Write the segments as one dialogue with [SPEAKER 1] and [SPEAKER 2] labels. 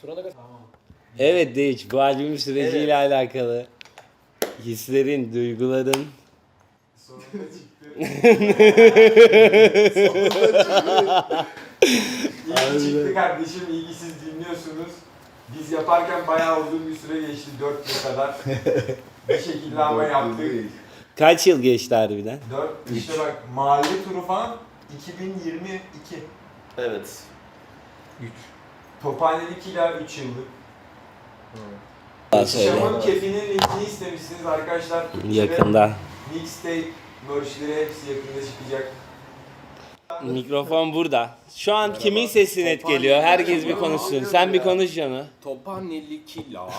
[SPEAKER 1] Tamam.
[SPEAKER 2] Evet Deyiç, bu albümün süreciyle alakalı hislerin, duyguların.
[SPEAKER 1] Sonunda çıktı. İyi çıktı kardeşim, iyi ki siz dinliyorsunuz. Biz yaparken bayağı uzun bir süre geçti, 4 yıl kadar. Bir şekilde ama yaptık.
[SPEAKER 2] Kaç yıl geçti harbiden?
[SPEAKER 1] 4, işte bak mahalle turu falan 2022.
[SPEAKER 3] Evet.
[SPEAKER 1] Tophanelik ila 3 yıllık.
[SPEAKER 2] Daha söyle.
[SPEAKER 1] Şam'ın kefinin linkini istemişsiniz arkadaşlar.
[SPEAKER 2] Yakında.
[SPEAKER 1] Mixtape, merchleri hepsi yakında çıkacak.
[SPEAKER 2] Mikrofon burada. Şu an kimin sesi net geliyor? Herkes bir konuşsun. Sen bir konuş onu.
[SPEAKER 3] Tophaneli kila.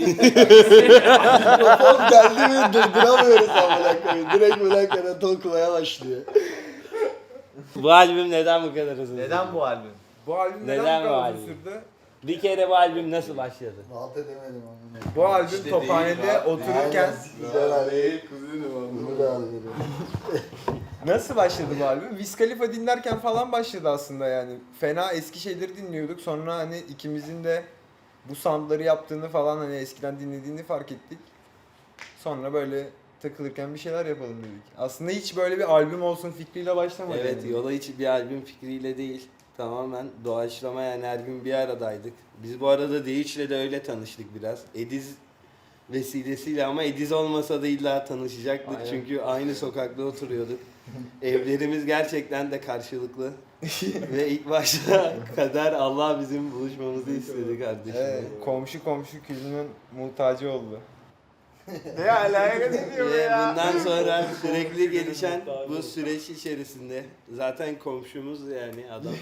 [SPEAKER 4] Mikrofon geldi mi durduramıyoruz amına koyayım. Direkt böyle karatol kulaya başlıyor.
[SPEAKER 2] Bu albüm neden bu kadar uzun?
[SPEAKER 3] Neden bu albüm?
[SPEAKER 1] Bu albüm
[SPEAKER 2] Neden
[SPEAKER 1] neden
[SPEAKER 2] bu
[SPEAKER 1] bu kadar
[SPEAKER 2] albüm?
[SPEAKER 1] uzun sürdü?
[SPEAKER 2] Bir kere bu albüm nasıl başladı?
[SPEAKER 4] Rahat edemedim amına.
[SPEAKER 1] Bu albüm
[SPEAKER 3] İşte
[SPEAKER 1] Tophane'de
[SPEAKER 3] değil,
[SPEAKER 1] otururken
[SPEAKER 4] Güzel abi. Bunu da alıyorum.
[SPEAKER 1] nasıl başladı bu albüm? Wiz Khalifa dinlerken falan başladı aslında yani. Fena eski şeyleri dinliyorduk. Sonra hani ikimizin de bu soundları yaptığını falan hani eskiden dinlediğini fark ettik. Sonra böyle takılırken bir şeyler yapalım dedik. Aslında hiç böyle bir albüm olsun fikriyle başlamadı.
[SPEAKER 2] Evet,
[SPEAKER 1] yani.
[SPEAKER 2] yola hiç bir albüm fikriyle değil. Tamamen doğaçlama, yani her gün bir aradaydık. Biz bu arada Deyiç'le de öyle tanıştık biraz. Ediz vesilesiyle, ama Ediz olmasa da illa tanışacaktık.
[SPEAKER 1] Aynen.
[SPEAKER 2] Çünkü aynı sokakta oturuyorduk. Evlerimiz gerçekten de karşılıklı. Ve ilk başta kader Allah bizim buluşmamızı istedi kardeşim.
[SPEAKER 1] Evet, komşu külünün muhtacı oldu. Ne alaka diyor
[SPEAKER 2] Ve
[SPEAKER 1] ya?
[SPEAKER 2] bundan sonra sürekli gelişen bu süreç içerisinde zaten komşumuz, yani adam.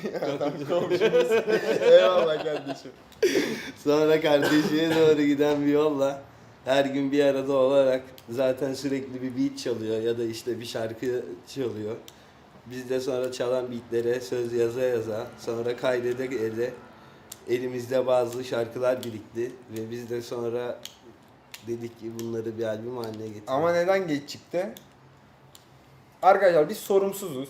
[SPEAKER 1] Eyvallah kardeşim.
[SPEAKER 2] Sonra kardeşliğe doğru giden bir yolla her gün bir arada olarak zaten sürekli bir beat çalıyor ya da işte bir şarkı çalıyor. Biz de sonra çalan beatlere söz yaza yaza, sonra kaydede elimizde bazı şarkılar birikti ve biz de sonra dedik ki bunları bir albüm haline getirelim.
[SPEAKER 1] Ama neden geç çıktı? Arkadaşlar biz sorumsuzuz.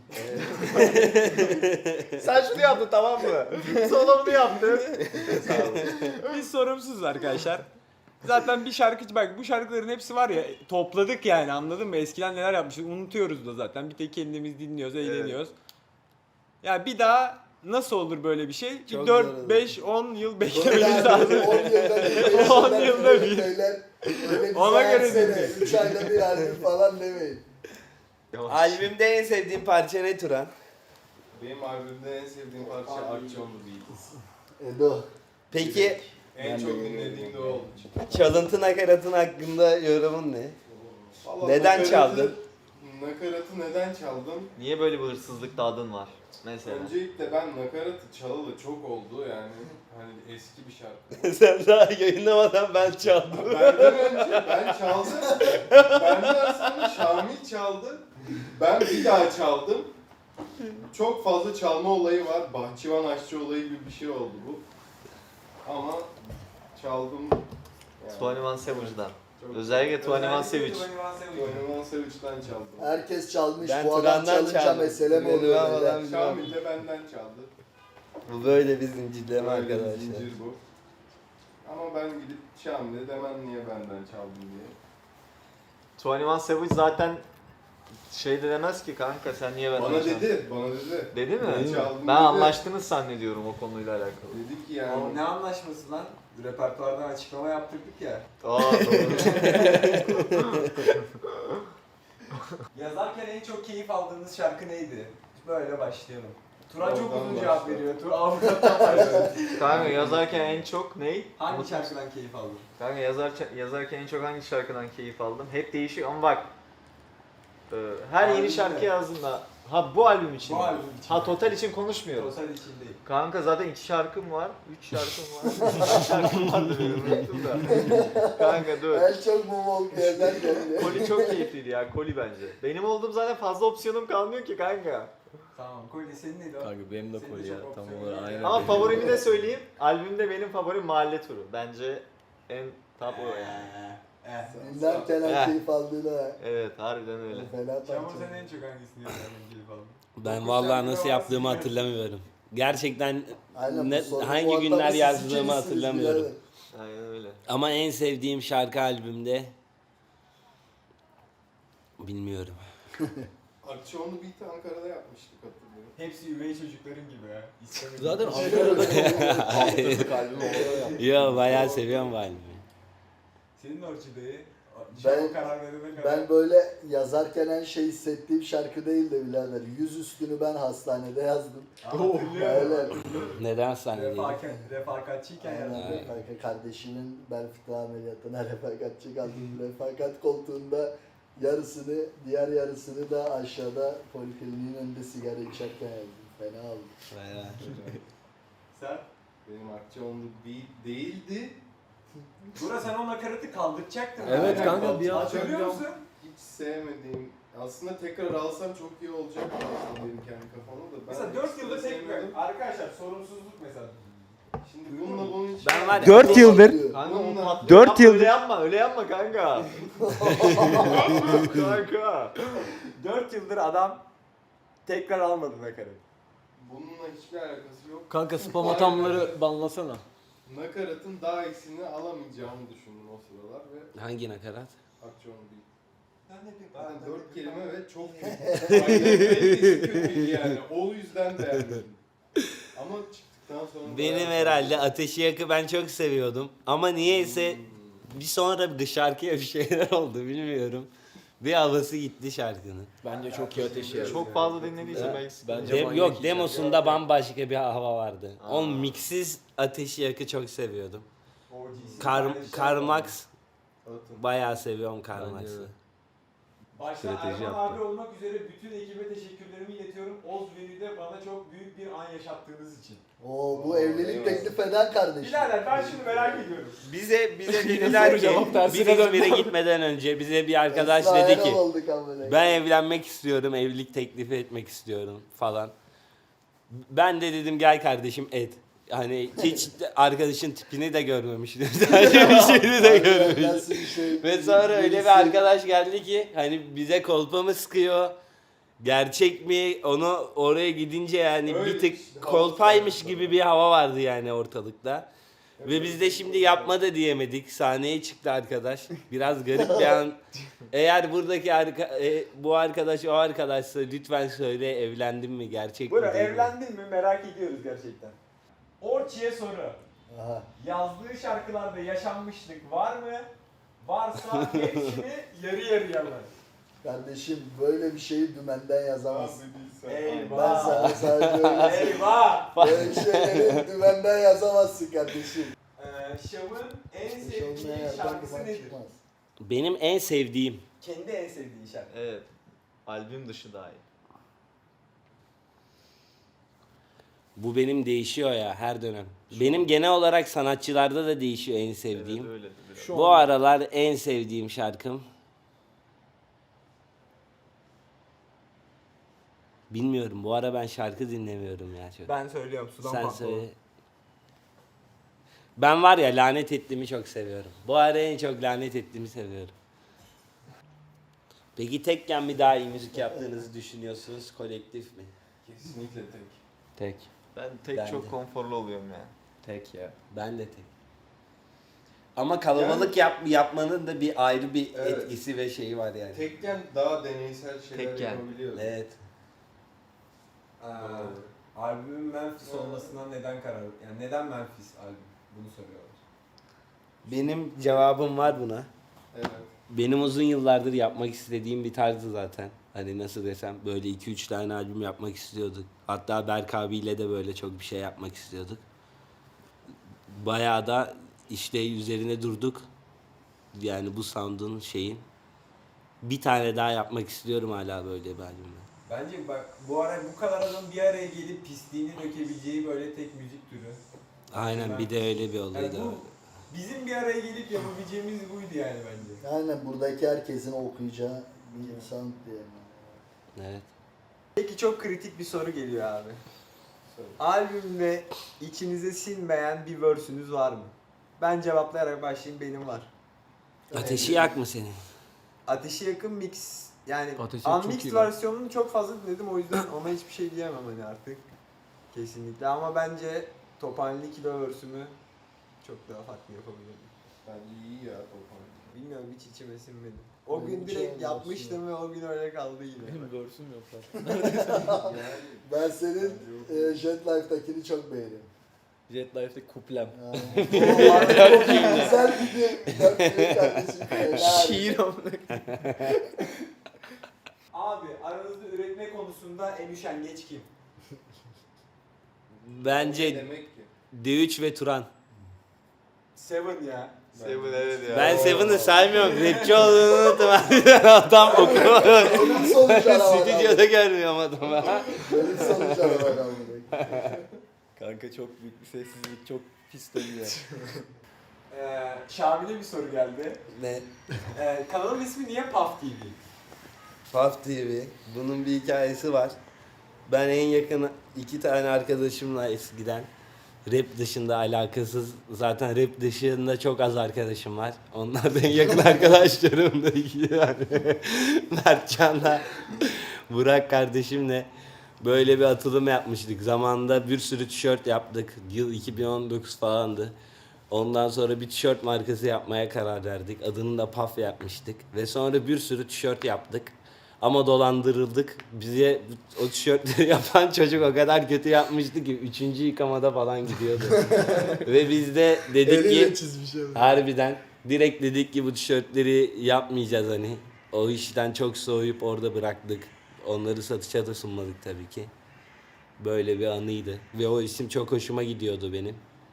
[SPEAKER 3] Sen şunu yaptın tamam mı? Sonra bunu yaptın.
[SPEAKER 1] Biz sorumsuzuz arkadaşlar. Zaten bir şarkıcı bak bu şarkıların hepsi var ya topladık yani anladın mı? Eskiden neler yapmışız unutuyoruz da zaten. Bir tek kendimiz dinliyoruz, eğleniyoruz. Ya bir daha nasıl olur böyle bir şey?
[SPEAKER 2] Çok zor
[SPEAKER 1] 4,
[SPEAKER 2] olur.
[SPEAKER 1] 5, 10 yıl beklememiz lazım.
[SPEAKER 4] 10
[SPEAKER 1] 10 yılda bir. Ona göre dinleyin.
[SPEAKER 4] 3 ayda bir albüm falan demeyin.
[SPEAKER 2] Albümde en sevdiğin parça ne Turan?
[SPEAKER 5] Benim albümde en sevdiğim parça Akçonlu Beatles.
[SPEAKER 4] Edo.
[SPEAKER 2] Peki
[SPEAKER 5] En çok dinlediğim de o oldu.
[SPEAKER 2] çalıntı nakaratın hakkında yorumun ne?
[SPEAKER 5] Vallahi
[SPEAKER 2] Neden
[SPEAKER 5] nakaratı-
[SPEAKER 2] çaldın?
[SPEAKER 5] Nakaratı neden çaldım?
[SPEAKER 3] Niye böyle bir hırsızlık dadın var? Mesela.
[SPEAKER 5] Öncelikle ben nakaratı çalalı çok oldu yani. Hani eski bir şarkı.
[SPEAKER 2] Sen daha yayınlamadan ben çaldım.
[SPEAKER 5] Benden önce ben çaldım. Benden sonra Şamil çaldı. Ben bir daha çaldım. Çok fazla çalma olayı var. Bahçıvan aşçı olayı gibi bir şey oldu bu. Ama çaldım. Yani.
[SPEAKER 3] 21 Savage'dan.
[SPEAKER 5] Çok-
[SPEAKER 3] Özellikle 21 Savage.
[SPEAKER 5] 21 Savage'den çaldım.
[SPEAKER 4] Herkes çalmış.
[SPEAKER 2] Ben
[SPEAKER 4] Bu adam
[SPEAKER 2] Turan'dan
[SPEAKER 4] çalınca
[SPEAKER 2] çaldım.
[SPEAKER 4] mesele mi
[SPEAKER 2] Benim
[SPEAKER 4] oluyor?
[SPEAKER 2] havadan
[SPEAKER 4] beyler?
[SPEAKER 2] bir-
[SPEAKER 5] Şamil de benden çaldı.
[SPEAKER 2] Bu böyle bir zincirleme
[SPEAKER 5] Böyle bir
[SPEAKER 2] arkadaşlar.
[SPEAKER 5] zincir bu. Ama ben gidip Şamil'e demem niye benden çaldın diye.
[SPEAKER 3] 21 Savage zaten şey de demez ki kanka sen niye benden
[SPEAKER 5] Bana
[SPEAKER 3] çaldın?
[SPEAKER 5] dedi, bana dedi.
[SPEAKER 3] Dedi mi?
[SPEAKER 5] Ben çaldım
[SPEAKER 3] Ben
[SPEAKER 5] dedi.
[SPEAKER 3] anlaştınız zannediyorum o konuyla alakalı.
[SPEAKER 5] Dedi ki yani.
[SPEAKER 1] Oğlum ne anlaşması lan? Repertuardan açıklama yaptırdık ya.
[SPEAKER 3] Aa doğru.
[SPEAKER 1] Yazarken en çok keyif aldığınız şarkı neydi? Böyle başlayalım. Turan çok
[SPEAKER 5] Oradan
[SPEAKER 1] uzun cevap
[SPEAKER 5] başla.
[SPEAKER 1] veriyor. Avukattan başladı.
[SPEAKER 3] Kanka yazarken en çok ney?
[SPEAKER 1] Hangi şarkıdan keyif aldın?
[SPEAKER 3] Kanka yazarken en çok hangi şarkıdan keyif aldım? Hep değişiyor ama bak. Her yeni
[SPEAKER 1] Albümde.
[SPEAKER 3] şarkı yazdığında ha bu albüm için.
[SPEAKER 1] Bu
[SPEAKER 3] mi?
[SPEAKER 1] albüm için.
[SPEAKER 3] Ha total için konuşmuyoruz.
[SPEAKER 1] Total için değil.
[SPEAKER 3] Kanka zaten 2 şarkım var, 3 şarkım var. 2 şarkım vardı benim unuttum da. Kanka dur.
[SPEAKER 4] En çok bu bol yerler geliyor.
[SPEAKER 3] Koli çok keyifliydi ya, Koli bence. Benim olduğum zaten fazla opsiyonum kalmıyor ki kanka.
[SPEAKER 1] Tamam. Kolye senin neydi o?
[SPEAKER 2] Kanka benim de
[SPEAKER 1] Senin
[SPEAKER 2] Koli
[SPEAKER 1] de
[SPEAKER 2] ya,
[SPEAKER 1] çok
[SPEAKER 2] tam
[SPEAKER 1] opsiyon
[SPEAKER 2] olarak
[SPEAKER 1] var.
[SPEAKER 2] aynen.
[SPEAKER 3] Ama
[SPEAKER 2] benim.
[SPEAKER 3] favorimi de söyleyeyim. Albümde benim favorim Mahalle Turu. Bence en top o yani.
[SPEAKER 4] Dinlerken
[SPEAKER 3] Eh.
[SPEAKER 4] en keyif aldığına.
[SPEAKER 3] Evet, harbiden öyle.
[SPEAKER 4] Fena
[SPEAKER 1] Şamur
[SPEAKER 4] parça.
[SPEAKER 1] sen en çok hangisini yazarken keyif aldın?
[SPEAKER 2] Ben
[SPEAKER 1] Dokuz
[SPEAKER 2] vallahi
[SPEAKER 1] şarkıda
[SPEAKER 2] nasıl
[SPEAKER 1] var,
[SPEAKER 2] yaptığımı
[SPEAKER 1] sigara.
[SPEAKER 2] hatırlamıyorum. Gerçekten
[SPEAKER 4] Aynen, bu soru
[SPEAKER 2] hangi
[SPEAKER 4] muhatabı
[SPEAKER 2] günler
[SPEAKER 4] siz
[SPEAKER 2] yazdığımı
[SPEAKER 4] ikinizsiniz
[SPEAKER 2] hatırlamıyorum.
[SPEAKER 4] birader.
[SPEAKER 3] Aynen öyle.
[SPEAKER 2] Ama en sevdiğim şarkı albümde bilmiyorum.
[SPEAKER 5] Akçoğlu Beat'i Ankara'da yapmıştık hatırlıyorum.
[SPEAKER 6] Hepsi üvey çocukların gibi ya. İstemedim.
[SPEAKER 4] Zaten Ankara'da
[SPEAKER 2] Hayır.
[SPEAKER 4] kalbim orada yaptı.
[SPEAKER 2] Yo bayağı seviyorum bu albümü.
[SPEAKER 6] Senin orçidayı
[SPEAKER 4] Ben-
[SPEAKER 6] karar verene kadar.
[SPEAKER 4] Ben böyle yazarken en şey hissettiğim şarkı değil de birader. Yüzüstünü ben hastanede yazdım.
[SPEAKER 6] Hatırlıyorum.
[SPEAKER 4] Öyle.
[SPEAKER 2] Neden sahnedeydim?
[SPEAKER 6] Refakatçiyken
[SPEAKER 4] Aynen,
[SPEAKER 6] yani.
[SPEAKER 4] kardeşimin bel fıtığı ameliyatına refakatçi kaldım. Refakat koltuğunda yarısını, diğer yarısını da aşağıda polikliniğin önünde sigara içerken yazdım. Fena oldu.
[SPEAKER 2] Bayağı.
[SPEAKER 6] Sen?
[SPEAKER 5] Benim Akçoğlu Beat değildi.
[SPEAKER 6] Bura sen o nakaratı kaldıracaktın.
[SPEAKER 1] Evet
[SPEAKER 6] Yani.
[SPEAKER 1] kanka, bir an
[SPEAKER 6] Hatırlıyor musun?
[SPEAKER 5] Hiç sevmediğim, aslında tekrar alsam çok iyi olacak aslında benim kendi kafamda da. Ben
[SPEAKER 6] Mesela 4 yılda tek
[SPEAKER 5] sevmedim.
[SPEAKER 6] arkadaşlar sorumsuzluk mesela.
[SPEAKER 5] Şimdi bununla bunun için...
[SPEAKER 2] Ben var ya-
[SPEAKER 1] 4 yıldır
[SPEAKER 3] Kanka o
[SPEAKER 5] Bununla-
[SPEAKER 3] patlıyor.
[SPEAKER 1] 4
[SPEAKER 3] Yapma,
[SPEAKER 1] yıldır-
[SPEAKER 3] Öyle yapma, öyle yapma kanka. Kanka.
[SPEAKER 6] 4 yıldır adam tekrar almadı nakaratı.
[SPEAKER 5] Bununla hiçbir alakası yok.
[SPEAKER 1] kanka spam atamları banlasana.
[SPEAKER 5] Nakaratın daha iyisini alamayacağımı düşündüm o sıralar ve
[SPEAKER 2] Hangi nakarat?
[SPEAKER 5] Akçoğlu Beat.
[SPEAKER 6] Sen ne bileyim.
[SPEAKER 5] Zaten 4 kelime ve çok kötü. Aynen kalitesi kötüydü yani. O yüzden beğenmedim. Ama çıktıktan sonra...
[SPEAKER 2] Benim
[SPEAKER 5] bayağı-
[SPEAKER 2] herhalde Ateşi Yak'ı ben çok seviyordum. Ama niyeyse bir sonra bir şarkıya bir şeyler oldu bilmiyorum. Bir havası gitti şarkının.
[SPEAKER 1] Bence çok iyi ateşi.
[SPEAKER 3] Çok fazla dinlediyse belki
[SPEAKER 1] Bence
[SPEAKER 2] Yok
[SPEAKER 1] manyak
[SPEAKER 2] demosunda bambaşka bir hava vardı.
[SPEAKER 3] Aa.
[SPEAKER 2] O miksiz Ateşi Yak'ı çok seviyordum.
[SPEAKER 6] OG'si.
[SPEAKER 2] Karl Max
[SPEAKER 5] Atın.
[SPEAKER 2] bayağı seviyorum Karl
[SPEAKER 1] Bence
[SPEAKER 2] Max'ı.
[SPEAKER 1] de.
[SPEAKER 6] Başta
[SPEAKER 1] Strateji
[SPEAKER 6] Erman
[SPEAKER 1] yaptı.
[SPEAKER 6] abi olmak üzere bütün ekibe teşekkürlerimi iletiyorum. Ozveri'de bana çok büyük bir an yaşattığınız için.
[SPEAKER 4] Oo, bu evlilik teklif eden kardeşim.
[SPEAKER 6] Birader ben şunu merak ediyorum.
[SPEAKER 2] Bize dediler ki
[SPEAKER 1] cevap
[SPEAKER 2] biz
[SPEAKER 1] tersine
[SPEAKER 2] İzmir'e gitmeden önce bize bir arkadaş
[SPEAKER 4] Esra
[SPEAKER 2] dedi
[SPEAKER 4] Erol
[SPEAKER 2] ki
[SPEAKER 4] olduk amına.
[SPEAKER 2] ben evlenmek istiyorum, evlilik teklifi etmek istiyorum falan. Ben de dedim gel kardeşim et. Hani hiç arkadaşın tipini de görmemiştim. Sadece bir şeyini de görmemiştim.
[SPEAKER 4] Nasıl bir şey?
[SPEAKER 2] Ve sonra öyle
[SPEAKER 4] Birisi-
[SPEAKER 2] bir arkadaş geldi ki hani bize kolpa mı sıkıyor? Gerçek mi? Onu oraya gidince yani
[SPEAKER 5] Öyle
[SPEAKER 2] bir tık
[SPEAKER 5] işte,
[SPEAKER 2] kolpaymış
[SPEAKER 5] hava
[SPEAKER 2] gibi bir hava vardı yani ortalıkta. Ve biz de şimdi yapma da diyemedik. Sahneye çıktı arkadaş. Biraz garip bir an. Eğer buradaki bu arkadaş o arkadaşsa lütfen söyle evlendin mi gerçek mi?
[SPEAKER 6] Bura
[SPEAKER 2] değil mi?
[SPEAKER 6] evlendin mi merak ediyoruz gerçekten. Orçi'ye soru.
[SPEAKER 4] Aha.
[SPEAKER 6] Yazdığı şarkılarda yaşanmışlık var mı? Varsa hepsini yarı yarıya mı?
[SPEAKER 4] Kardeşim böyle bir şeyi dümenden yazamazsın.
[SPEAKER 5] Abi değilsen.
[SPEAKER 4] Ben
[SPEAKER 6] Eyvah.
[SPEAKER 4] sana sadece öyle
[SPEAKER 6] Eyvah!
[SPEAKER 4] böyle şeyleri dümenden yazamazsın kardeşim.
[SPEAKER 6] Şam'ın en
[SPEAKER 4] Şovuna
[SPEAKER 6] sevdiği
[SPEAKER 4] yerden
[SPEAKER 6] şarkısı
[SPEAKER 4] duman
[SPEAKER 6] nedir?
[SPEAKER 4] çıkmaz.
[SPEAKER 2] Benim en sevdiğim.
[SPEAKER 6] Kendi en sevdiği şarkı.
[SPEAKER 3] Evet. Albüm dışı dahi.
[SPEAKER 2] Bu benim değişiyor ya her dönem. Benim genel olarak sanatçılarda da değişiyor en sevdiğim.
[SPEAKER 3] Evet öyle. Biraz.
[SPEAKER 2] Bu aralar en sevdiğim şarkım. Bilmiyorum. Bu ara ben şarkı dinlemiyorum ya çok.
[SPEAKER 6] Ben söylüyorum sudan
[SPEAKER 2] Sen
[SPEAKER 6] patladı.
[SPEAKER 2] söyle. Ben var ya lanet ettiğimi çok seviyorum. Bu ara en çok lanet ettiğimi seviyorum. Peki tekken mi daha iyi müzik yaptığınızı düşünüyorsunuz, kolektif mi?
[SPEAKER 5] Kesinlikle tek.
[SPEAKER 2] Tek.
[SPEAKER 3] Ben tek
[SPEAKER 2] Ben
[SPEAKER 3] çok
[SPEAKER 2] de.
[SPEAKER 3] konforlu oluyorum ya.
[SPEAKER 1] Tek ya.
[SPEAKER 2] Ben de tek. Ama kalabalık yapmanın da bir ayrı bir
[SPEAKER 5] Evet.
[SPEAKER 2] etkisi ve şeyi var yani.
[SPEAKER 5] Tekken daha deneysel şeyler
[SPEAKER 3] Tekken.
[SPEAKER 5] yapabiliyoruz.
[SPEAKER 2] Evet.
[SPEAKER 6] Albümün Memphis olmasına neden karar yani neden Memphis albüm? Bunu soruyorlar.
[SPEAKER 2] Benim cevabım var buna.
[SPEAKER 5] Evet.
[SPEAKER 2] Benim uzun yıllardır yapmak istediğim bir tarzı zaten. Hani nasıl desem böyle 2-3 tane albüm yapmak istiyorduk. Hatta Berk abiyle de böyle çok bir şey yapmak istiyorduk. Bayağı da işte üzerine durduk. Yani bu sound'un şeyin. Bir tane daha yapmak istiyorum hala böyle bir albümle.
[SPEAKER 6] Bence bak bu ara bu kadar adam bir araya gelip pisliğini dökebileceği böyle tek müzik türü.
[SPEAKER 2] Aynen bir de öyle bir olaydı.
[SPEAKER 6] Yani bu bizim bir araya gelip yapabileceğimiz buydu yani bence.
[SPEAKER 4] Aynen buradaki herkesin okuyacağı bir insan diye.
[SPEAKER 2] Evet.
[SPEAKER 1] Peki çok kritik bir soru geliyor abi.
[SPEAKER 5] Söyle.
[SPEAKER 1] Albümde içinize sinmeyen bir verse'ünüz var mı? Ben cevaplayarak başlayayım, benim var.
[SPEAKER 2] Ateşi yak mı senin?
[SPEAKER 1] Ateşi Yakın mix, yani
[SPEAKER 7] Ateşi Yak çok
[SPEAKER 1] unmixed
[SPEAKER 7] iyi lan.
[SPEAKER 1] versiyonunu çok fazla dinledim, o yüzden ona hiçbir şey diyemem hani artık. Kesinlikle ama bence Tophane'li kilo versümü çok daha farklı yapabilirdim.
[SPEAKER 5] Bence iyi ya Tophan.
[SPEAKER 1] Bilmiyorum hiç içime sinmedi. O
[SPEAKER 4] Benim
[SPEAKER 1] gün
[SPEAKER 4] hiç
[SPEAKER 1] direkt
[SPEAKER 4] olmaz
[SPEAKER 1] yapmıştım ve o gün öyle kaldı yine.
[SPEAKER 7] Benim görsüm yok lan.
[SPEAKER 4] Ben senin Jet Life'dakini çok beğeniyorum.
[SPEAKER 7] Jet Life'de kuplem.
[SPEAKER 4] O abi çok güzel bir de kardeşim.
[SPEAKER 1] Şiir amına.
[SPEAKER 6] Abi aranızda üretme konusunda en üşengeç kim?
[SPEAKER 5] Ne
[SPEAKER 2] Bence
[SPEAKER 5] demek ki?
[SPEAKER 2] D3 ve Turan.
[SPEAKER 6] Seven ya.
[SPEAKER 3] Seven evet ya.
[SPEAKER 2] Ben Seven'ı saymıyorum. Rapçi olduğunu unuttum. Adam okumadı.
[SPEAKER 4] Ölüm sonuç araba.
[SPEAKER 2] Stüdyoda görmüyorum adamı.
[SPEAKER 4] Ölüm sonuç araba kaldı.
[SPEAKER 7] Kanka çok büyük bir sessizlik, çok pis dönüyor.
[SPEAKER 6] Şamil'e bir soru geldi.
[SPEAKER 2] Ne?
[SPEAKER 6] Kanalın ismi niye Puff TV?
[SPEAKER 2] Puff TV. Bunun bir hikayesi var. Ben en yakın 2 tane arkadaşımla eskiden rap dışında alakasız, zaten rap dışında çok az arkadaşım var. Onlar da en yakın arkadaşlarım da 2 tane. Mertcan'la Burak kardeşimle böyle bir atılım yapmıştık. Zamanında bir sürü tişört yaptık. Yıl 2019 falandı. Ondan sonra bir tişört markası yapmaya karar verdik. Adını da Puff yapmıştık. Ve sonra bir sürü tişört yaptık. Ama dolandırıldık. Bize o tişörtleri yapan çocuk o kadar kötü yapmıştı ki 3. yıkamada falan gidiyordu. Ve biz de dedik
[SPEAKER 4] Eliyle
[SPEAKER 2] ki
[SPEAKER 4] çizmiş abi.
[SPEAKER 2] harbiden direkt dedik ki bu tişörtleri yapmayacağız hani. O işten çok soğuyup orada bıraktık. Onları satışa da sunmadık tabii ki. Böyle bir anıydı. Ve o isim çok hoşuma gidiyordu benim.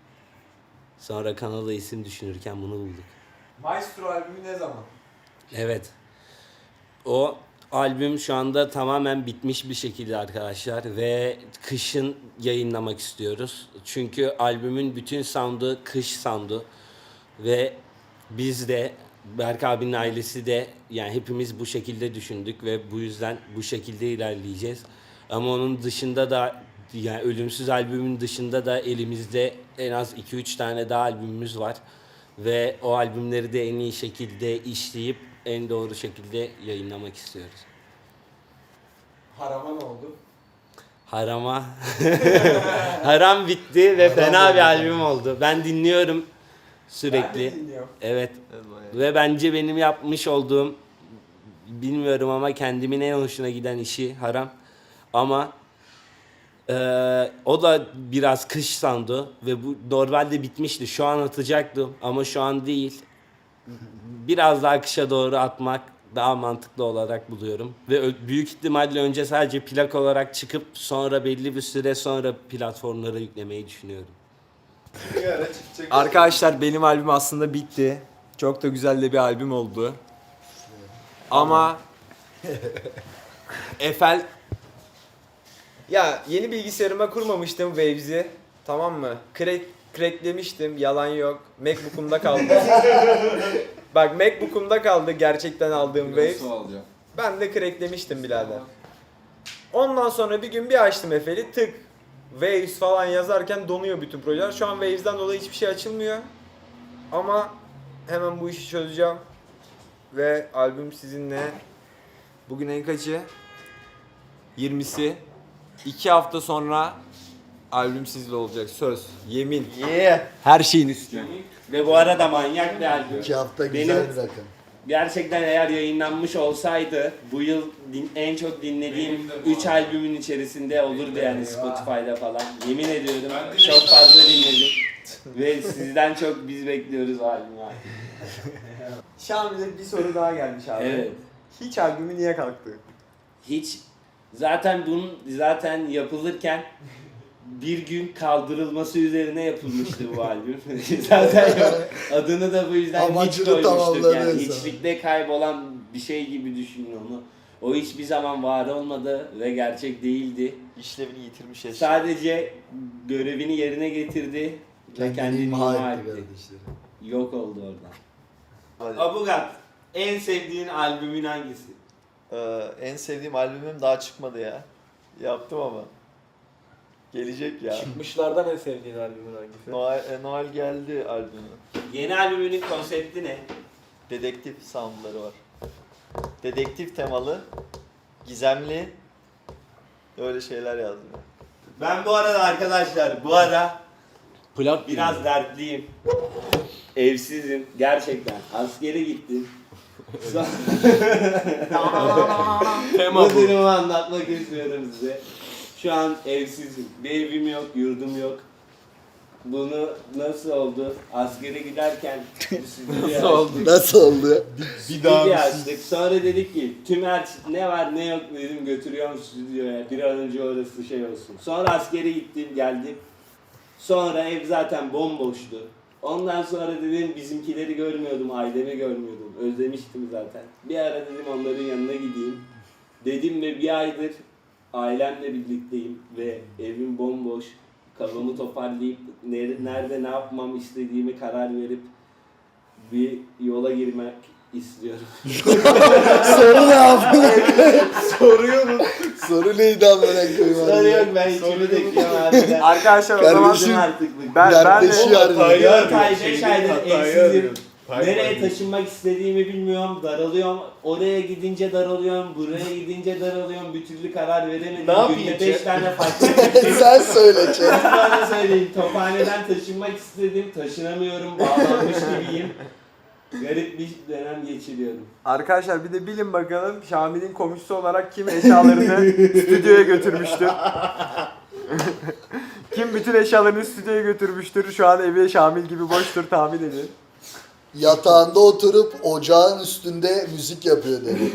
[SPEAKER 2] Sonra kanala isim düşünürken bunu bulduk.
[SPEAKER 6] Maestro albümü ne zaman?
[SPEAKER 2] Evet. O albüm şu anda tamamen bitmiş bir şekilde arkadaşlar ve kışın yayınlamak istiyoruz. Çünkü albümün bütün sound'u kış sound'u ve biz de Berk abinin ailesi de yani hepimiz bu şekilde düşündük ve bu yüzden bu şekilde ilerleyeceğiz. Ama onun dışında da yani Ölümsüz albümün dışında da elimizde en az 2-3 tane daha albümümüz var. Ve o albümleri de en iyi şekilde işleyip en doğru şekilde yayınlamak istiyoruz.
[SPEAKER 6] Harama ne oldu?
[SPEAKER 2] Harama Haram bitti ve
[SPEAKER 4] Haram
[SPEAKER 2] fena
[SPEAKER 4] oldu.
[SPEAKER 2] bir albüm oldu. Ben dinliyorum
[SPEAKER 6] Ben
[SPEAKER 2] sürekli.
[SPEAKER 6] de dinliyorum.
[SPEAKER 2] Evet. Ve bence benim yapmış olduğum bilmiyorum ama kendimin en hoşuna giden işi Haram. Ama o da biraz kış sandı ve bu normalde bitmişti. Şu an atacaktım ama şu an değil. Biraz daha kışa doğru atmak daha mantıklı olarak buluyorum. Ve büyük ihtimalle önce sadece plak olarak çıkıp sonra belli bir süre sonra platformlara yüklemeyi düşünüyorum.
[SPEAKER 5] Bir ara çıkacak.
[SPEAKER 1] Arkadaşlar benim albüm aslında bitti. Çok da güzel de bir albüm oldu. Ama Eiffel ya yeni bilgisayarıma kurmamıştım Waves'i. Tamam mı? Cracklemiştim. Yalan yok. MacBook'umda kaldı. Bak MacBook'umda kaldı gerçekten aldığım Waves.
[SPEAKER 5] alacağım.
[SPEAKER 1] Ben de cracklemiştim birader. Ondan sonra bir gün bir açtım Eiffel'i tık. Waves falan yazarken donuyor bütün projeler. Şu an Waves'den dolayı hiçbir şey açılmıyor. Ama hemen bu işi çözeceğim. Ve albüm sizinle. Bugün en kaçı? 20'si. 2 hafta sonra albüm sizle olacak. Söz, yemin. Her şeyin üstüne.
[SPEAKER 2] Ve bu arada manyak bir albüm.
[SPEAKER 4] 2 hafta güzel
[SPEAKER 2] Benim-
[SPEAKER 4] bir rakam.
[SPEAKER 2] Gerçekten eğer yayınlanmış olsaydı bu yıl en çok dinlediğim
[SPEAKER 5] Benim de bu
[SPEAKER 2] 3
[SPEAKER 5] arada.
[SPEAKER 2] albümün içerisinde olurdu yani Spotify'da falan. Yemin ediyorum
[SPEAKER 5] Ben de
[SPEAKER 2] çok
[SPEAKER 5] şey-
[SPEAKER 2] fazla dinledim. Ve sizden çok biz bekliyoruz o albümü abi.
[SPEAKER 1] Şamil'e bir soru daha gelmiş abi.
[SPEAKER 2] Evet.
[SPEAKER 1] Hiç albümü niye kalktı?
[SPEAKER 2] Hiç zaten bunun zaten yapılırken bir gün kaldırılması üzerine yapılmıştı bu albüm. Zaten adını da bu yüzden hiç
[SPEAKER 4] Amacını
[SPEAKER 2] koymuştuk
[SPEAKER 4] tamamladı
[SPEAKER 2] yani.
[SPEAKER 4] sana.
[SPEAKER 2] Hiçlikte kaybolan bir şey gibi düşünün onu. O hiçbir zaman var olmadı ve gerçek değildi.
[SPEAKER 7] İşlevini yitirmiş eşya.
[SPEAKER 2] Sadece görevini yerine getirdi ve kendini imha etti.
[SPEAKER 4] kardeşlerim.
[SPEAKER 2] Yok oldu oradan. Abugat, en sevdiğin albümün hangisi?
[SPEAKER 7] En sevdiğim albümüm daha çıkmadı ya. Yaptım ama. Gelecek ya.
[SPEAKER 3] Çıkmışlardan en sevdiğin albümün hangisi?
[SPEAKER 7] Noel geldi albümü.
[SPEAKER 2] Yeni albümünün konsepti ne?
[SPEAKER 7] Dedektif soundları var. Dedektif temalı, gizemli, öyle şeyler yazdım.
[SPEAKER 2] Ben bu arada arkadaşlar, biraz dertliyim. Evsizim gerçekten. Askere gittim. Bu durumu anlatmak istiyorum size. Şu an evsizim. Bir evim yok, yurdum yok. Bunu nasıl oldu? Askere giderken nasıl oldu?
[SPEAKER 4] Nasıl oldu?
[SPEAKER 2] Stüdyo açtık. Sonra dedik ki tüm ne var ne yok dedim götürüyorum stüdyoya. Bir an önce orası şey olsun. Sonra askere gittim geldim. Sonra ev zaten bomboştu. Ondan sonra dedim bizimkileri görmüyordum, ailemi görmüyordum. Özlemiştim zaten. Bir ara dedim onların yanına gideyim. Dedim ve bir aydır ailemle birlikteyim ve evim bomboş. Kafamı toparlayıp nerede ne yapmam istediğimi karar verip bir yola girmek istiyorum.
[SPEAKER 4] Soru ne abi?
[SPEAKER 2] Soruyorum.
[SPEAKER 4] Soru neydi amına koyayım?
[SPEAKER 2] Soru yok ben içimi döküyorum harbiden.
[SPEAKER 6] Arkadaşlar o zaman
[SPEAKER 4] Kardeşim,
[SPEAKER 2] artık
[SPEAKER 6] ben de
[SPEAKER 4] dertleşiyor harbiden.
[SPEAKER 2] 4 ay 5 aydır evsizim. Nereye taşınmak istediğimi bilmiyorum, daralıyorum. Oraya gidince daralıyorum, buraya gidince daralıyorum. Bir türlü karar veremedim.
[SPEAKER 5] Ne yapayım
[SPEAKER 2] Günde
[SPEAKER 5] ki?
[SPEAKER 2] 5 tane farklı fikrim.
[SPEAKER 4] Sen söyle Çetin.
[SPEAKER 2] Bana söyleyeyim, Tophane'den taşınmak istedim, taşınamıyorum, bağlanmış gibiyim. Garip bir dönem geçiriyorum.
[SPEAKER 6] Arkadaşlar bir de bilin bakalım Şamil'in komşusu olarak kim eşyalarını stüdyoya götürmüştür? Kim bütün eşyalarını stüdyoya götürmüştür? Şu an evi Şamil gibi boştur tahmin edin.
[SPEAKER 4] Yatağında oturup ocağın üstünde müzik yapıyor dedi.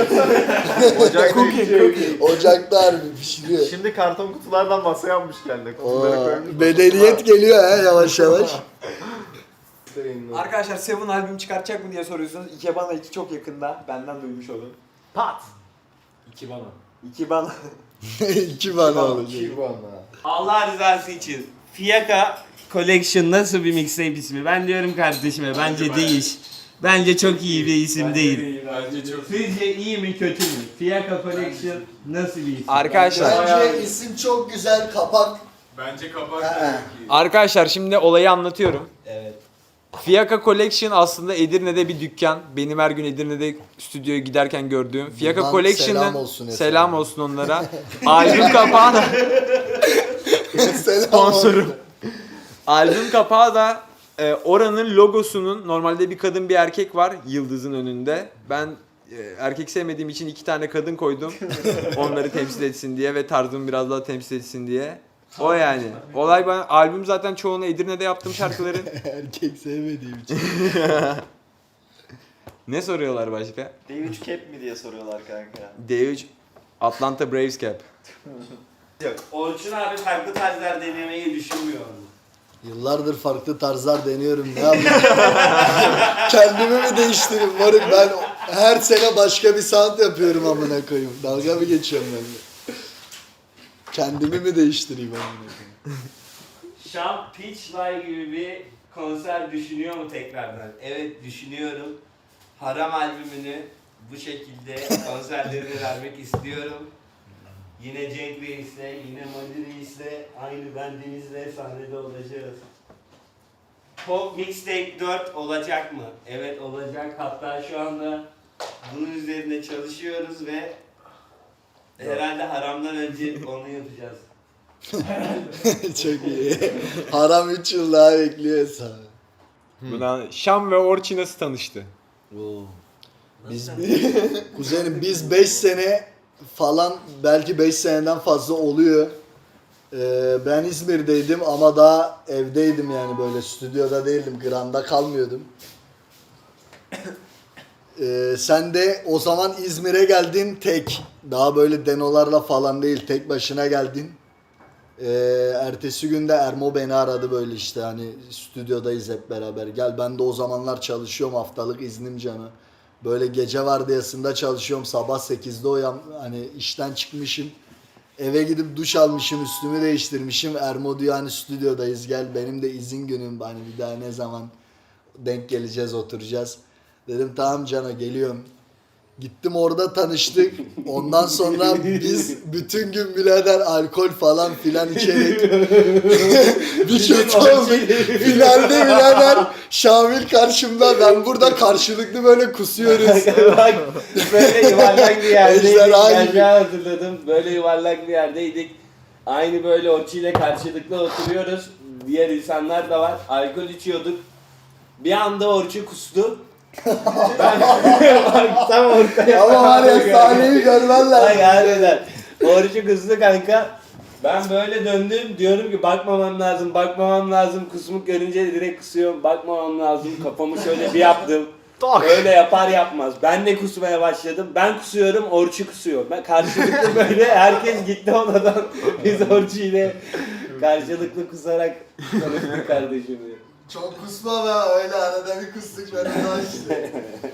[SPEAKER 4] Ocakta harbi pişiriyor.
[SPEAKER 3] Şimdi karton kutulardan masa yapmış kendi. Kutuları koymuş.
[SPEAKER 4] Bedeliyet geliyor ha yavaş yavaş.
[SPEAKER 6] Arkadaşlar Seven albüm çıkartacak mı diye soruyorsunuz. Ikebana 2 çok yakında. Benden duymuş olun. Pat!
[SPEAKER 1] İki bana.
[SPEAKER 6] Ikebana.
[SPEAKER 4] 2 bana olacak.
[SPEAKER 5] Kibana.
[SPEAKER 2] Allah rızası için Fiyaka Collection nasıl bir mixtape ismi? Ben diyorum kardeşime bence değiş. Bence çok iyi bir isim değil.
[SPEAKER 5] Bence çok
[SPEAKER 2] Sizce iyi mi kötü mü? Fiyaka Collection nasıl bir isim?
[SPEAKER 6] Arkadaşlar.
[SPEAKER 4] Bence isim çok güzel, kapak.
[SPEAKER 5] Bence kapak
[SPEAKER 4] Ha.
[SPEAKER 5] da çok iyi.
[SPEAKER 6] Arkadaşlar şimdi olayı anlatıyorum.
[SPEAKER 2] Evet.
[SPEAKER 6] Fiyaka Collection aslında Edirne'de bir dükkan. Benim her gün Edirne'de stüdyoya giderken gördüğüm. Fiyaka
[SPEAKER 4] Buradan
[SPEAKER 6] Collection'ın
[SPEAKER 4] selam olsun Efe.
[SPEAKER 6] selam olsun onlara. Albüm kapağı da
[SPEAKER 4] Selam
[SPEAKER 6] sponsorum. Albüm kapağı da oranın logosunun normalde bir kadın bir erkek var yıldızın önünde. Ben erkek sevmediğim için 2 tane kadın koydum. Onları temsil etsin diye ve tarzımı biraz daha temsil etsin diye. O yani. Olay ben albüm zaten çoğunu Edirne'de yaptım şarkıların.
[SPEAKER 4] Erkek sevmediğim için.
[SPEAKER 6] Ne soruyorlar başka?
[SPEAKER 7] D3 cap mi diye soruyorlar kanka.
[SPEAKER 6] D3 Atlanta Braves cap.
[SPEAKER 2] Orçun abi farklı tarzlar denemeyi düşünmüyor mu?
[SPEAKER 4] Yıllardır farklı tarzlar deniyorum. Ne yapayım? Kendimi mi değiştireyim? Moruk ben her sene başka bir sound yapıyorum amına koyayım. Dalga mı geçiyorum ben de? Kendimi mi değiştireyim amına koyayım?
[SPEAKER 2] Şam Pitch Live gibi bir konser düşünüyor mu tekrardan? Evet düşünüyorum. Haram albümünü bu şekilde konserlerini vermek istiyorum. Yine Cenk Reis'le, yine Mali Reis'le, aynı bendimizle sahnede olacağız. Pop Mixtape 4 olacak mı? Evet olacak. Hatta şu anda bunun üzerinde çalışıyoruz ve herhalde haramdan önce onu yapacağız.
[SPEAKER 4] Çok iyi. Haram 3 yıl daha bekliyor hesabı.
[SPEAKER 6] Buna Şam ve Orçun nasıl tanıştı?
[SPEAKER 4] Biz kuzenim biz 5 sene falan belki 5 seneden fazla oluyor. Ben İzmir'deydim ama daha evdeydim yani böyle stüdyoda değildim. Grand'da kalmıyordum. Sen de o zaman İzmir'e geldin tek. Daha böyle denolarla falan değil tek başına geldin. Ertesi günde Ermo beni aradı böyle işte hani stüdyodayız hep beraber. Gel ben de o zamanlar çalışıyorum haftalık iznim canı. Böyle gece vardiyasında çalışıyorum sabah 8'de hani işten çıkmışım. Eve gidip duş almışım üstümü değiştirmişim. Ermo diyor hani stüdyodayız gel benim de izin günüm hani bir daha ne zaman denk geleceğiz oturacağız. Dedim tamam cana geliyorum. Gittim orada tanıştık. Ondan sonra biz bütün gün birader alkol falan filan içerek bir kötü olduk. Finalde birader Şamil karşımda ben burada karşılıklı böyle kusuyoruz.
[SPEAKER 2] Bak böyle yuvarlak bir yerdeydik.
[SPEAKER 4] Ejderha
[SPEAKER 2] Ben
[SPEAKER 4] gibi.
[SPEAKER 2] de hatırladım. Böyle yuvarlak bir yerdeydik. Aynı böyle Orçu ile karşılıklı oturuyoruz. Diğer insanlar da var. Alkol içiyorduk. Bir anda Orçu kustu. Ben tam ortaya.
[SPEAKER 4] Ama var ya sahneyi görmen lazım.
[SPEAKER 2] Ay harbiden. Orçu kustu kanka. Ben böyle döndüm diyorum ki bakmamam lazım. Kusmuk görünce direkt kusuyorum. Bakmamam lazım. Kafamı şöyle bir yaptım. Öyle yapar yapmaz. Ben de kusmaya başladım. Ben kusuyorum, Orçu kusuyor. Ben karşılıklı böyle herkes gitti odadan. Biz Orçu ile karşılıklı kusarak konuştuk kardeşim.
[SPEAKER 4] Çok kusma be, öyle arada bir kustuk ben daha işte.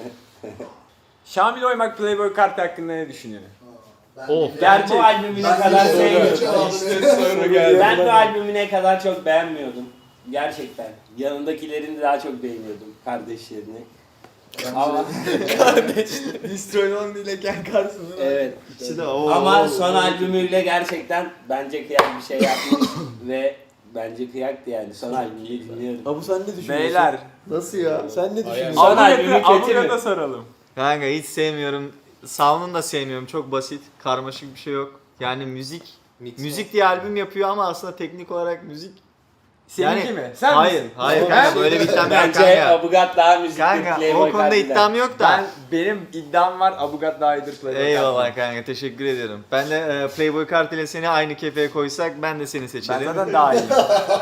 [SPEAKER 6] Şamil Oymak Playboy kartı hakkında ne düşünüyor?
[SPEAKER 2] Ben bu albümü ne kadar sevmiyordum.
[SPEAKER 5] İşte soru geldi.
[SPEAKER 2] Ben bu albümü ne kadar çok beğenmiyordum. Gerçekten. Yanındakilerini de daha çok beğeniyordum. Kardeşlerini. Ama
[SPEAKER 1] Destroy ile Ken Carson'ın.
[SPEAKER 2] evet.
[SPEAKER 7] İkisi de o.
[SPEAKER 2] Ama son albümüyle gerçekten bence kıyak bir şey yapmış ve bence kıyaktı yani. Son albümünü dinliyorum.
[SPEAKER 7] Abu sen ne düşünüyorsun?
[SPEAKER 6] Beyler.
[SPEAKER 7] Nasıl ya? Sen ne düşünüyorsun?
[SPEAKER 2] Son albümü kötü
[SPEAKER 6] Abugat'a
[SPEAKER 2] mü?
[SPEAKER 6] soralım.
[SPEAKER 3] Kanka hiç sevmiyorum. Sound'unu da sevmiyorum. Çok basit, karmaşık bir şey yok. Yani müzik diye albüm yapıyor ama aslında teknik olarak müzik.
[SPEAKER 6] Seninki
[SPEAKER 3] Yani-
[SPEAKER 6] mi? Sen
[SPEAKER 3] Hayır,
[SPEAKER 6] misin?
[SPEAKER 3] hayır kanka böyle bir iddiam yok
[SPEAKER 2] Bence
[SPEAKER 3] kanka.
[SPEAKER 2] Abugat daha müzikli
[SPEAKER 3] Kanka
[SPEAKER 2] Playboy
[SPEAKER 3] o konuda
[SPEAKER 2] Cardi'den.
[SPEAKER 3] iddiam yok da.
[SPEAKER 6] Benim iddiam var Abugat daha iyidir Playboy
[SPEAKER 3] Eyvallah kanka teşekkür ediyorum. Ben de Playboy Kart ile seni aynı kefeye koysak ben de seni
[SPEAKER 6] Ben
[SPEAKER 3] seçerim.
[SPEAKER 6] zaten daha iyiyim.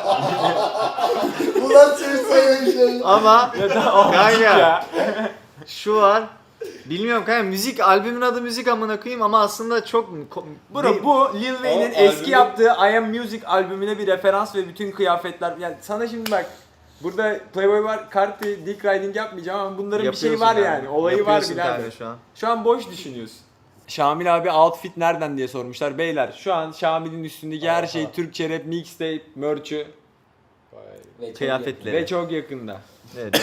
[SPEAKER 4] Ulan seni sevmişim.
[SPEAKER 3] Ama kanka
[SPEAKER 6] ya.
[SPEAKER 3] şu var. Bilmiyorum kanka müzik albümün adı müzik amına koyayım ama aslında çok
[SPEAKER 6] Bro bu Lil Wayne'in
[SPEAKER 5] O
[SPEAKER 6] eski
[SPEAKER 5] albümü-
[SPEAKER 6] yaptığı I Am Music albümüne bir referans ve bütün kıyafetler. Yani sana şimdi bak burada Playboy var, Carti, Dick Riding yapmayacağım ama bunların bir şeyi var
[SPEAKER 3] Yapıyorsun
[SPEAKER 6] yani.
[SPEAKER 3] kanka.
[SPEAKER 6] Olayı var
[SPEAKER 3] Yapıyorsun
[SPEAKER 6] birader.
[SPEAKER 3] kanka şu an.
[SPEAKER 6] Şu an boş düşünüyorsun. Şamil abi outfit nereden diye sormuşlar. Beyler şu an Şamil'in üstündeki her şey Türkçe rap, mixtape, merch'ü
[SPEAKER 2] Ve çok
[SPEAKER 3] Kıyafetleri.
[SPEAKER 6] ve çok yakında.
[SPEAKER 3] Evet.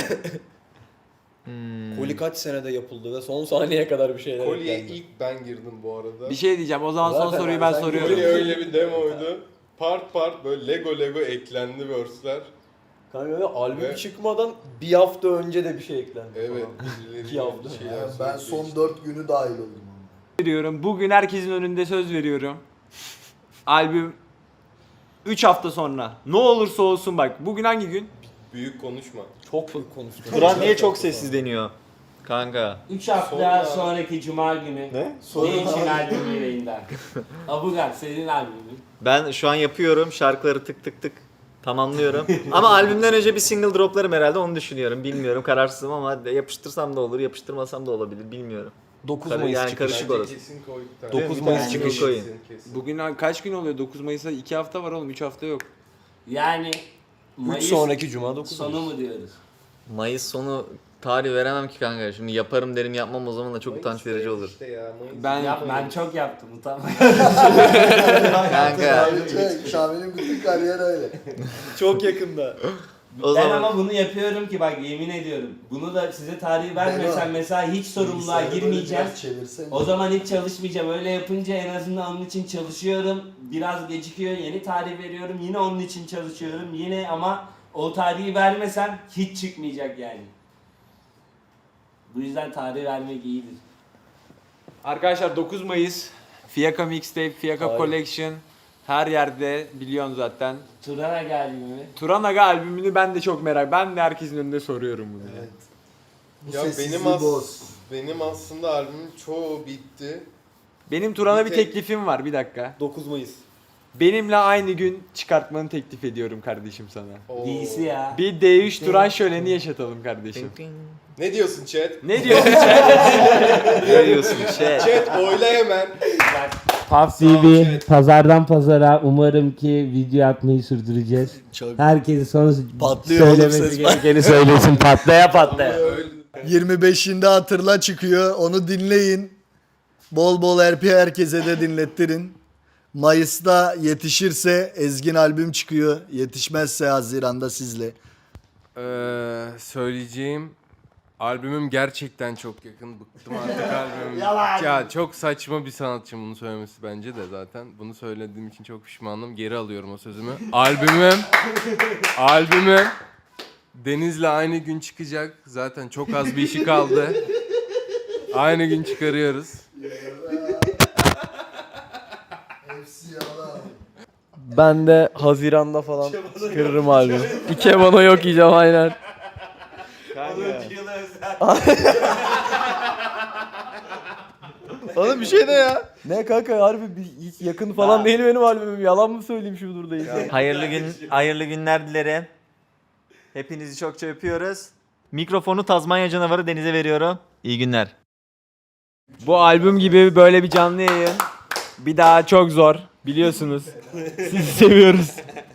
[SPEAKER 8] Koli kaç senede yapıldı ve son saniyeye kadar bir şeyler
[SPEAKER 5] Kolye
[SPEAKER 8] eklendi.
[SPEAKER 5] ilk ben girdim bu arada.
[SPEAKER 6] Bir şey diyeceğim. O zaman son
[SPEAKER 8] Zaten
[SPEAKER 6] soruyu ben
[SPEAKER 8] sen
[SPEAKER 6] soruyorum.
[SPEAKER 5] Kolye öyle bir demoydu. Part part böyle Lego eklendi verse'ler.
[SPEAKER 8] Kanka öyle albüm
[SPEAKER 5] Ve-
[SPEAKER 8] çıkmadan bir hafta önce de bir şey eklendi.
[SPEAKER 5] Evet.
[SPEAKER 8] falan.
[SPEAKER 5] birileri
[SPEAKER 8] İki hafta.
[SPEAKER 5] bir şeyler
[SPEAKER 4] Yani ben
[SPEAKER 5] söylüyor
[SPEAKER 4] son
[SPEAKER 5] işte.
[SPEAKER 4] 4 günü dahil oldum.
[SPEAKER 6] Veriyorum. Bugün herkesin önünde söz veriyorum. Albüm 3 hafta sonra. Ne olursa olsun bak. Bugün hangi gün?
[SPEAKER 5] Büyük konuşma.
[SPEAKER 8] Çok büyük konuştum.
[SPEAKER 3] Turan niye çok sessiz deniyor? Kanka.
[SPEAKER 2] 3 hafta sonraki cuma günü.
[SPEAKER 8] Ne?
[SPEAKER 2] Ne için albümü yayında? Abugat senin albümün.
[SPEAKER 3] Ben şu an yapıyorum şarkıları tık tık tık tamamlıyorum. Ama albümden önce bir single droplarım herhalde onu düşünüyorum. Bilmiyorum kararsızım ama yapıştırsam da olur, yapıştırmasam da olabilir bilmiyorum.
[SPEAKER 8] 9
[SPEAKER 3] Tabii
[SPEAKER 8] Mayıs
[SPEAKER 3] yani
[SPEAKER 8] çıkışı.
[SPEAKER 3] karışık
[SPEAKER 5] Bence
[SPEAKER 3] orası.
[SPEAKER 5] kesin koy bir tane.
[SPEAKER 8] 9
[SPEAKER 3] Yani
[SPEAKER 8] Mayıs
[SPEAKER 3] single
[SPEAKER 8] çıkışı.
[SPEAKER 3] koyun.
[SPEAKER 5] Kesin.
[SPEAKER 6] Bugün kaç gün oluyor? 9 Mayıs'a 2 hafta var oğlum. 3 hafta yok.
[SPEAKER 2] Yani
[SPEAKER 8] 3
[SPEAKER 2] Mayıs
[SPEAKER 8] sonraki cuma 9
[SPEAKER 2] sonu
[SPEAKER 8] Mayıs.
[SPEAKER 2] mu diyoruz?
[SPEAKER 3] Mayıs sonu tarih veremem ki kanka. Şimdi yaparım derim yapmam o zaman da çok
[SPEAKER 5] Mayıs
[SPEAKER 3] utanç verici
[SPEAKER 5] değil
[SPEAKER 3] olur.
[SPEAKER 5] işte ya, Mayıs
[SPEAKER 6] Ben-
[SPEAKER 5] değil.
[SPEAKER 2] Ben çok yaptım utanma.
[SPEAKER 3] Kanka
[SPEAKER 4] Şamil'in bütün kariyeri öyle.
[SPEAKER 8] Çok yakında.
[SPEAKER 3] o
[SPEAKER 2] Ben
[SPEAKER 3] zaman
[SPEAKER 2] ama bunu yapıyorum ki bak yemin ediyorum. Bunu da size tarih vermesem mesela hiç sorumluluğa
[SPEAKER 4] Bilgisayarı böyle
[SPEAKER 2] girmeyeceğim.
[SPEAKER 4] biraz çevirsene.
[SPEAKER 2] O zaman hiç çalışmayacağım. Öyle yapınca en azından onun için çalışıyorum. Biraz gecikiyor. Yeni tarih veriyorum. Yine onun için çalışıyorum. Yine ama o tarihi vermesem hiç çıkmayacak yani. Bu yüzden tarih vermek iyidir.
[SPEAKER 6] Arkadaşlar 9 Mayıs Fiyaka Mixtape, Fiyaka
[SPEAKER 8] Hayır.
[SPEAKER 6] Collection her yerde biliyorsun zaten.
[SPEAKER 2] Turana geldi mi?
[SPEAKER 6] Turanaga albümünü ben de çok merak. Ben de herkesin önünde soruyorum bunu.
[SPEAKER 4] Evet. Bu
[SPEAKER 5] Ya
[SPEAKER 4] sessizliği
[SPEAKER 5] benim
[SPEAKER 4] boz.
[SPEAKER 5] benim aslında albümün çoğu bitti.
[SPEAKER 6] Benim Turan'a bir
[SPEAKER 5] Bir tek-
[SPEAKER 6] teklifim var bir dakika.
[SPEAKER 8] 9 Mayıs.
[SPEAKER 6] Benimle aynı gün çıkartmanı teklif ediyorum kardeşim sana.
[SPEAKER 5] Oo.
[SPEAKER 2] DC ya.
[SPEAKER 6] Bir D3 Turan şöleni yaşatalım kardeşim.
[SPEAKER 5] Ne diyorsun chat?
[SPEAKER 6] Ne diyorsun sen?
[SPEAKER 3] ne diyorsun şey?
[SPEAKER 5] Chat oyla hemen.
[SPEAKER 2] Puff TV pazardan pazara umarım ki video atmayı sürdüreceğiz.
[SPEAKER 8] Çok
[SPEAKER 2] Herkesi sonra
[SPEAKER 8] patlıyor oğlum ses.
[SPEAKER 2] gerekeni söylesin patlaya patlaya.
[SPEAKER 5] Öyle.
[SPEAKER 4] 25'inde hatırla çıkıyor. Onu dinleyin. Bol bol RP herkese de dinlettirin. Mayıs'ta yetişirse Ezgin albüm çıkıyor. Yetişmezse Haziran'da sizle.
[SPEAKER 5] Söyleyeceğim albümüm gerçekten çok yakın. Bıktım artık albümüm.
[SPEAKER 2] Yalan.
[SPEAKER 5] Ya çok saçma bir sanatçı bunu söylemesi bence de zaten. Bunu söylediğim için çok pişmanım. Geri alıyorum o sözümü. Albümüm Deniz'le aynı gün çıkacak. Zaten çok az bir işi kaldı. Aynı gün çıkarıyoruz.
[SPEAKER 4] Hepsi yalan.
[SPEAKER 8] Ben de Haziran'da falan çıkarırım albüm. Ikebana yok yiyeceğim aynen.
[SPEAKER 3] Oğlum bir şey de ya.
[SPEAKER 8] Ne kanka harbi hiç yakın falan değil benim albümüm. Yalan mı söyleyeyim şu buradayız?
[SPEAKER 3] Hayırlı günler dilerim. Hepinizi çokça öpüyoruz. Mikrofonu Tazmanya canavarı Deniz'e veriyorum. İyi günler.
[SPEAKER 6] Bu albüm gibi böyle bir canlı yayın bir daha çok zor biliyorsunuz. Sizi seviyoruz.